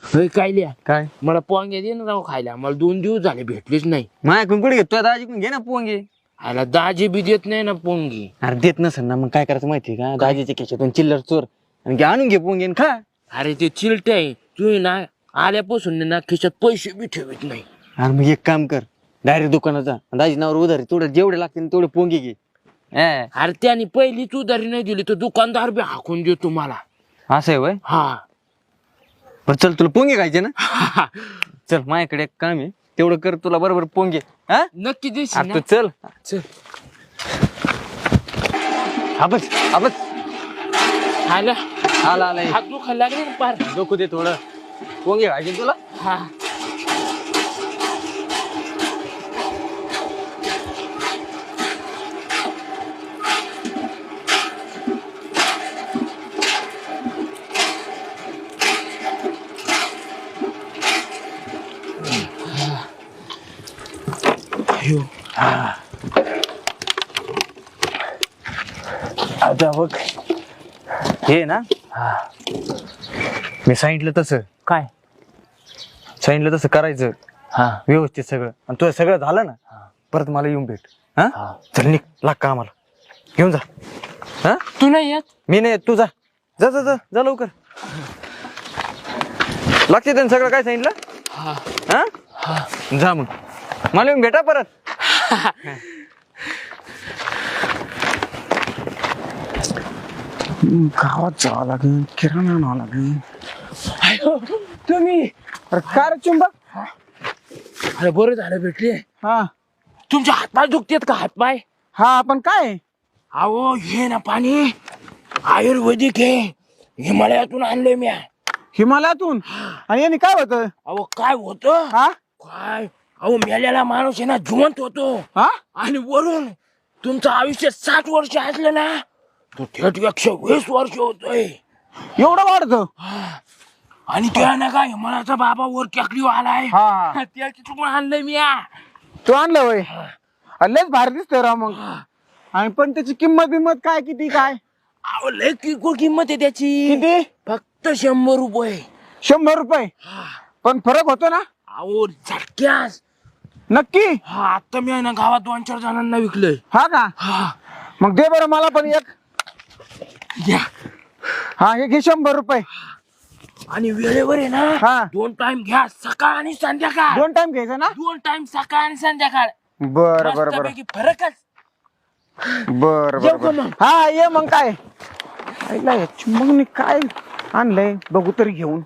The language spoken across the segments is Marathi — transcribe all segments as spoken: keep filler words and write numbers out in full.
काय लिहा काय मला पोंगे दे ना राव खायला. मला दोन दिवस झाले भेटलेच नाही. माझ्याकडून कुठे घेतो दाजीकडून घे ना पोंगे. आला दाजी बी देत नाही ना पोंगी. अरे देत नसेल ना मग काय करायचं माहिती का दाजीच्या खिशातून चिल्लर चोर आणि घे आणून घे पोंगे आणि खा. अरे ते चिलटे आहे तू ना आल्यापासून ना खिशात पैसे बी ठेवत नाही. अरे मग एक काम कर डायरेक्ट दुकानाचा दाजी नावर उधारी तेवढे जेवढे लागतील तेवढे पोंगे घे. हा, अरे त्याने पहिलीच उधारी नाही दिली तर दुकानदार बी हाकून देतो मला. असं आहे वय. हा बरं चल तुला पोंगे खायचे ना. चल माझ्याकडे एक काम आहे तेवढं कर तुला बरोबर पोंगे. हा नक्की देशील अरे ना? तू चल चल आपच आपच आला आला आला हात दुखायला लागले ना पार. डोकं दे थोडं पोंगे खायचे तुला. हा आता बघ हे ना मी सांगितलं तसं काय सांगितलं तसं करायचं हा व्यवस्थित सगळं आणि तुझं सगळं झालं ना परत मला येऊन भेट. हा हा. चल निघ लाग का आम्हाला घेऊन जा. हा तू नाही येत. मी नाही येत, तू जा जा जा जा जा लवकर. लागते त्यांनी सगळं काय सांगितलं. हा हा जा मग मला येऊन भेटा परत. गावात जावं लागेल किराणा आणावं लागेल. तुम्ही अरे काय रे चुंबक. अरे बरं झालं भेटले. हा तुमचे हातपाय दुखतेत का हातपाय. हा आपण काय अहो हे ना पाणी आयुर्वेदिक आहे. हिमालयातून आणले मी. हिमालयातून आणि याने काय होत. अहो काय होतं हा काय अहो मेलेला माणूस आहे ना जिवंत होतो. हा आणि वरून तुमचं आयुष्य साठ वर्ष असलं ना तो थेट एकशे वीस वर्ष होतोय. एवढं वाढत. आणि त्या ना काय हिमालयाचा बाबा वर टेकडी आलाय. हा त्या तिथून आणलंय मी. तू आणलं वय लयच भारी दिसतोय राव मग. आणि पण त्याची किंमत बिंमत काय किती काय अहो लय किरकोळ किंमत आहे त्याची. किती फक्त शंभर रुपये. शंभर रुपये पण फरक होतो ना. अहो झटक्यास. नक्की. हा आता मी आहे ना गावात दोन चार जणांना विकलंय. हा का हा मग दे बरं मला पण एक. घ्या. हा हे घे शंभर रुपये. आणि वेळेवर आहे ना हा दोन टाइम घ्या सकाळ आणि संध्याकाळ. दोन टाइम घ्यायचं ना. दोन टाइम सकाळ आणि संध्याकाळ. बरं बरं बरं मस्तपैकी फरकच. बर येऊ बर का मग? हा ये मग काय ऐकला मग मी काय आणलंय बघू तरी घेऊन.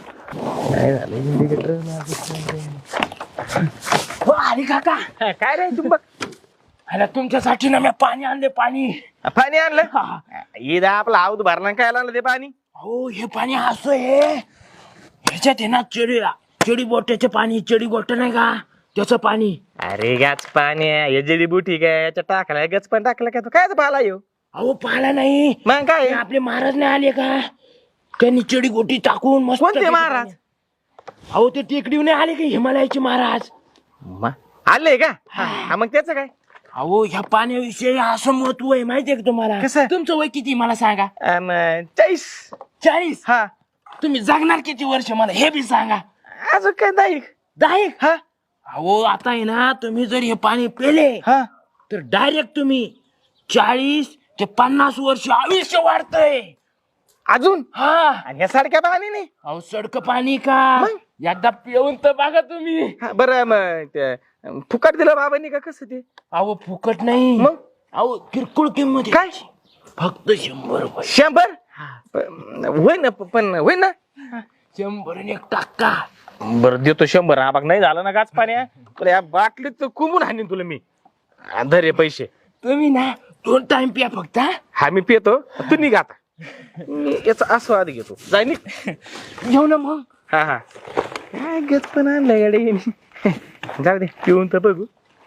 हो अरे काका काय रे चुंबक अरे तुमच्यासाठी ना मी पाणी आणले पाणी. पाणी आणलं. ईद आपला आऊत भरला काय आणलं ते पाणी. हो हे पाणी असं आहे ह्याच्यात आहे ना चेडी चेडी बोट्याचे पाणी. चेडी बोट नाही का त्याचं पाणी. अरे गाच पाणी हे जडी बुटी काय याच्या टाकला गच पण टाकलं काय तू काय पाला येऊ. अहो पाला नाही मग काय ते आपले महाराज नाही आले का त्यांनी चेडी गोटी टाकून मस्त. कोणते महाराज? अहो ते टेकडीवर नाही आले का हिमालयाचे महाराज. आले का हा मग त्याच काय. अहो ह्या पाण्याविषयी असं महत्व आहे माहितीये का तुम्हाला. कसं? तुमचं वय किती मला सांगा. चाळीस. चाळीस. हा तुम्ही जगणार किती वर्ष मला हे बी सांगा. अजून काय नाही. दहा एक. हा अहो आता आहे ना तुम्ही जर हे पाणी पेले हा तर डायरेक्ट तुम्ही चाळीस ते पन्नास वर्ष आयुष्य वाढतंय अजून. हा आणि या सारख्या पाणी नाही. अहो सडक पाणी का एकदा पिऊन तर बघा तुम्ही. हा, बरं मग ते फुकट दिलं बाबांनी का कसं ते. अहो फुकट नाही मग? अहो किरकोळ किंमत आहे. काय? फक्त शंभर रुपये. शंभर प- होय ना पण होय ना. शंभर आणि एक टक्का. बरं देतो शंभर. हा बघ नाही झालं ना गाच पाण्या तर या बाटलीत कुंबून हाणीन तुला मी. हा, धर हे पैसे. तुम्ही ना दोन टाइम पिया फक्त. हा? हा मी पितो तू निघ आता. मी याचा आस्वाद घेतो जाय निघ. घेऊ ना मग. हा हा काय गच पण आणलं गाडी. जाऊ दे पिऊन तर बघू.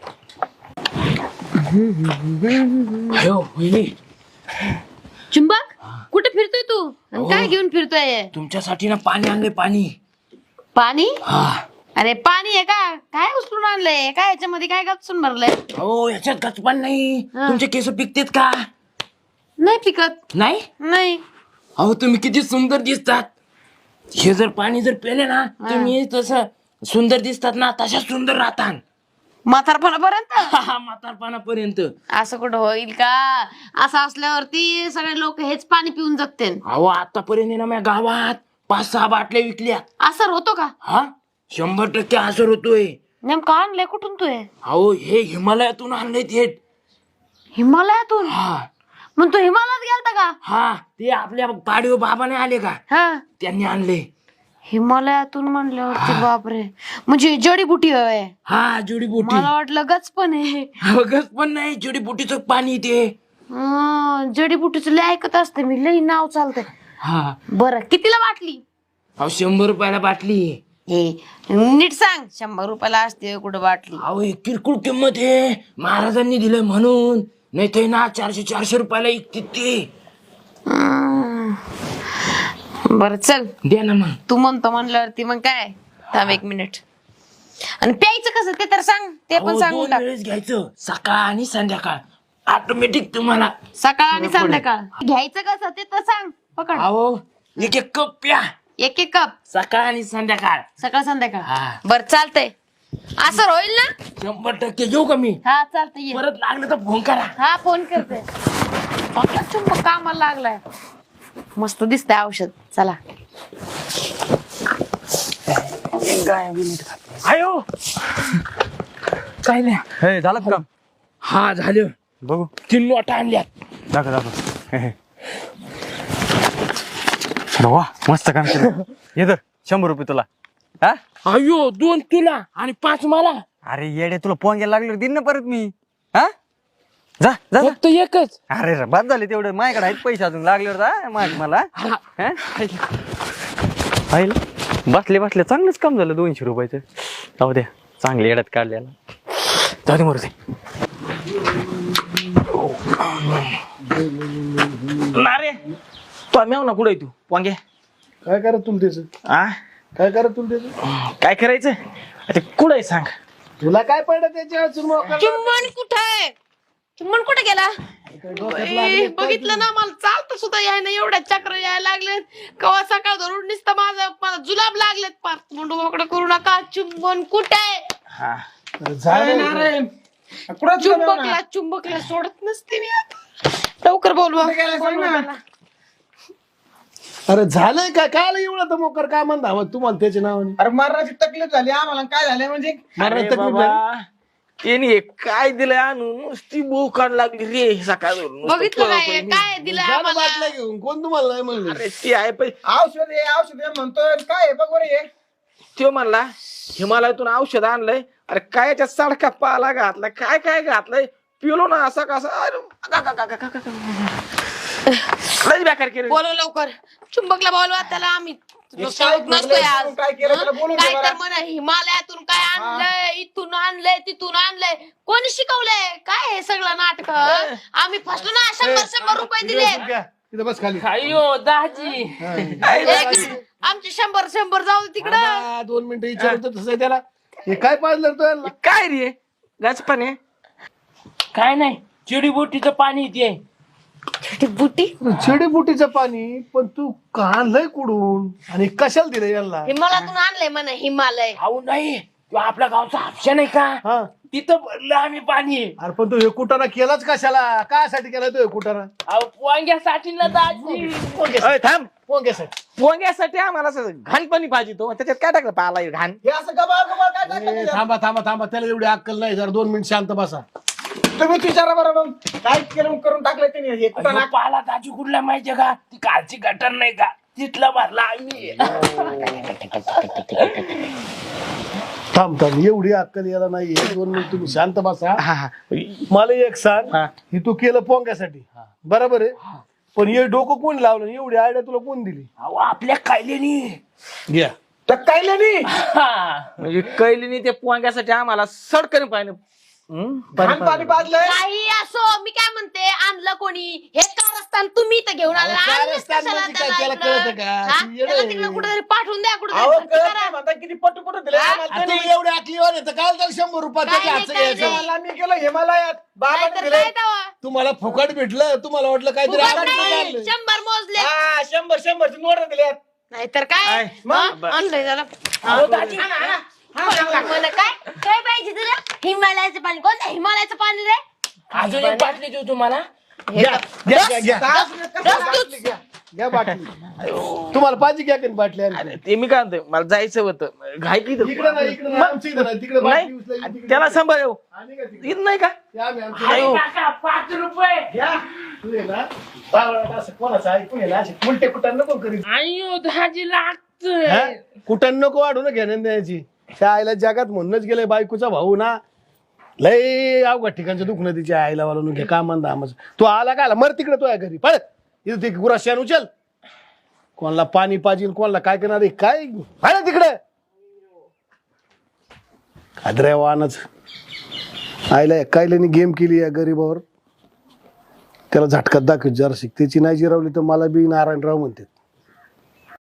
अयो वहिनी चुंबक कुठे फिरतोय तू आणि काय घेऊन फिरतोय. तुमच्यासाठी ना पाणी आणले पाणी. पाणी. हा अरे पाणी आहे का काय उचलून आणलंय काय याच्यामध्ये काय गचून भरलंय. हो याच्यात गचपान नाही. हा. तुमचे केस पिकतेत का नाही पिकत नाही. नाही. अहो तुम्ही किती सुंदर दिसतात. हे जर पाणी जर पेले ना तुम्ही तसं सुंदर दिसतात ना तशा सुंदर राहतात. म्हातारपणापर्यंत म्हातारपणापर्यंत. असं कुठं होईल का? असं असल्यावरती सगळे लोक हेच पाणी पिऊन जगतील. अहो आतापर्यंत आहे ना माझ्या गावात पाच सहा बाटल्या विकल्या. असर होतो का? हा शंभर टक्के असर होतोय. नेमकं आणलंय कुठून तू हे? अहो हे हिमालयातून आणलंय थेट. हिमालयातून? हा मग तू हिमालयात गेलता का? हा ते आपल्या पाडीव बाबाने आले का हा त्यांनी आणले. हिमालयातून म्हणल्यावरती बापरे, म्हणजे जडीबुटी आहे. हा जुडीबुटी. मला वाटलं गच पण आहे. गच पण नाही जुडीबुटीचं पाणी ते. हं, जडीबुटीचं लय ऐकत असते मी, लय नाव चालतंय. हा बरं कितीला बाटली? अहो शंभर रुपयाला बाटली. हे नीट सांग, शंभर रुपयाला असते कुठं बाटली? अहो एक किरकोळ किंमत आहे महाराजांनी दिलंय म्हणून, नाही ते ना चारशे चारशे रुपयाला इकते ते. हं. बरं चल द्या ना मग. तू म्हणतो म्हणल्यावरती मग काय, थांब एक मिनिट. आणि प्यायचं कसं ते तर सांग, ते पण अहो, सांगून दोन टाक. वेळेस घ्यायचं सकाळ आणि संध्याकाळ ऑटोमॅटिक तुम्हाला. सकाळ आणि संध्याकाळ घ्यायचं कसं ते तर सांग. पकड अहो एक एक कप प्या एक एक कप सकाळ आणि संध्याकाळ. सकाळ संध्याकाळ. हा. बर चालतंय, असं होईल ना? शंभर टक्के घेऊ का मी? हा चालतंय ये. परत लागलं तर फोन करा. हा फोन करते. आपला चुंबक कामाला लागलाय. मस्त दिसतंय औषध. चला आयो काय नाही. हे झालं का काम? हा झालं. बघू तीन नोटा आणल्यात. दाखव दाखव. हे, हे. अरे वा मस्त काम केलं. ये तर शंभर रुपये तुला. हा अयो दोन तुला आणि पाच मला. अरे येडे तुला पोंग्याला लागले दिन ना परत मी. हा जा जा जा. फक्त एकच. अरे रे बाद झाले तेवढे माझ्याकडे आहेत पैसे अजून लागल्यावर जा माझ मला. हा. हा? पाहिलं बसले बसले चांगलंच काम झालं दोनशे रुपयाचं. जाऊ द्या चांगले येड्यात काढल्याला. जाऊ दे मरू दे. नारे तू मेव ना कुठे तू वांगे. काय करा तुला त्याचं? आ काय करा तुला त्याचं? काय करायचं आता कुठे सांग. तुला काय पडलं त्याच्या चुरमुरा? चुम्मन कुठे? चुम्मन कुठे गेला? ए, बघितलं ना, मला चालतं सुद्धा याय ना, एवढ्या चक्र यायला लागलेत. कवा सकाळ धरून नुसतं माझं मला जुलाब लागलेत. पार मुंडू मोकळं करू नका. चुंबन कुठे? चुंबकला चुंबकला सोडत नसते मी आता. लवकर बोलवा. अरे झालंय काय? काय एवढं तर मोकर काय म्हणता हवं तुम्हाला त्याच्या नावाने? अरे मरणाची तकलीफ झाली आम्हाला. काय झालं म्हणजे? मरणाची तकलीफ झाली? त्यांनी काय दिलंय आणून नुसती बोकाड लागली रे सकाळ. बघितलं काय काय दिलं झालं आम्हाला? बाटल्या घेऊन कोण तुम्हाला नाही म्हणलं? अरे ती आहे पण औषध आहे औषध आहे म्हणतोय. काय आहे बघ बरं हे. तो म्हणला हिमालयातून औषध आणलंय. अरे काय याच्यात सडका पाला घातलाय, काय काय घातलंय, पिलो ना असा कसा. अरे गा- गा- गा- गा- गा- गा- गा. लयच बेकार केलं. बोलव लवकर. चुंबकला बोलवा. त्याला आम्ही हे शाळेत काय नसतोय आज. काय केलं त्याला बोलून काय दे तर बरं. म्हणा हिमालयातून काय आणलंय, इथून आणलंय, तिथून आणलंय. कोणी शिकवलंय काय हे सगळं नाटक? आम्ही फसलो ना. शंभर शंभर रुपये दिले. इथं बस खाली. अयो दाजी एक- आमचे शंभर शंभर जाऊ तिकडं. थांबा, दोन मिनिटं विचारतो तसं आहे त्याला. हे काय पाजलं तो याला? काय रे गाच पाणी काय नाही चिडीबोटीचं पाणी ते. बुटी चिडीबुटीचं पाणी. पण तू काढलंय कुडून आणि कशाला दिलं याला? हिमालयातून आणलंय म्हणा. हिमालय अहो नाही तो आपल्या गावचा हापशा नाही का, हा तिथं भरलं आम्ही पाणी. अरे पण तू हे कुटाणा केलाच कशाला? कायसाठी केला तो हे कुटाणा? अहो पोंग्यासाठी ना दाजी. पोंग्यासाठी. थांब पोंग्यासाठी. पोंग्यासाठी आम्हाला असं घाण पाणी पाहिजे तो. त्याच्यात काय टाकलं पाला घाण. हे असं गबाळ गबाळ काय टाकलं ए, त्याच्यात? थांबा थांबा थांबा त्याला एवढी अक्कल नाही. जरा दोन मिनिट शांत बसा. तुम्ही विचारा बरं मग काय केलं करून टाकलं त्यांनी हे कुठं अहो, पाला दाजी कुठला माहितीये का, ती कालची गटर नाही का, तिथला भरला आम्ही. थांब थांब एवढी अक्कल याला नाही. दोन मिनिट तुम्ही शांत बसा. मला एक सांग, ही तू केलं पोंग्यासाठी बरोबर आहे, पण हे डोकं कोण लावलं? एवढी आयडिया तुला कोण दिली? अहो आपल्या कैलेनी घ्या. तर काय नाही म्हणजे कैलीनी ते पोंग्यासाठी आम्हाला सडकन पाहिजे. घाण पाणी पाजलंय. काही असो. मी काय म्हणते, आणलं कोणी हे कारस्थान? तुम्ही इथं घेऊन आला. अहो, आणलंच कारस्थान कशाला म्हणजे काय? त्याला त्याला इकडं? कळतं का? हा? ती येडं त्याला आहे. तिकडे कुठेतरी पाठवून द्या. अहो कुठेतरी कळत करा. नाही म्हणता किती पटू पटू दिले आम्हाला आता त्यांनी. एवढी आकलीवर येतं काय त्याला शंभर रुपयाचं काय नाही, घ्यायचं काय घ्यायचं. नाही. मला मी गेलो हिमालयात बाबाने नाहीतर दिले. काय तेव्हा? तुम्हाला फुकट भेटलं, तुम्हाला वाटलं काहीतरी फुकट आनंद नाही, झालं. शंभर मोजले. हा शंभर शंभरचे नोट दिल्यात. नाहीतर काय आय, हा? आणलंय त्याला मला काय काय पाहिजे तुला हिमालयाचं पाणी कोणतं हिमालयाचं पाणी रे अजून एक बाटली देऊ तुम्हाला घ्या घ्या घ्या घ्या घ्या बाटली तुम्हाला पाहिजे घ्या की बाटली आणखी? अरे ते मी काय म्हणतोय मला जायचं होतं घाई की इकडे नाही इकडे नाही आमच्या इकडे नाही तिकडे बाटली उचलायची, नाही तिकडे त्याला सांभाळ येऊ आणि का तिकडे? येत नाही का ते आम्ही आमच्या- आयो. पाच रुपये घ्या. तू आहे ना बावळट असं कोणाचं ऐकून आहे ना असे उलटे कुठं नको करीत अयो दहाजी लागत हा? कुठं नको वाढू ना घेण्या द्यायची त्या आईला जगात म्हणूनच गेले बायकोचा भाऊ ना लय अवघड ठिकाणचं दुखणं तिच्या आईला वाला घे का म्हणता आमचं तू आला का आला मर तिकडे तो घरी पळ इथं ते गुराशान उचल कोणाला पाणी पाजील कोणाला काय करणार आहे? काय पळ तिकडे खाद्र्या वाहनच आईला कायल्याने गेम केली या गरीबावर त्याला झटकात दाखव जरा शिक त्याची नाही जिरवली तर मला बी नारायणराव म्हणते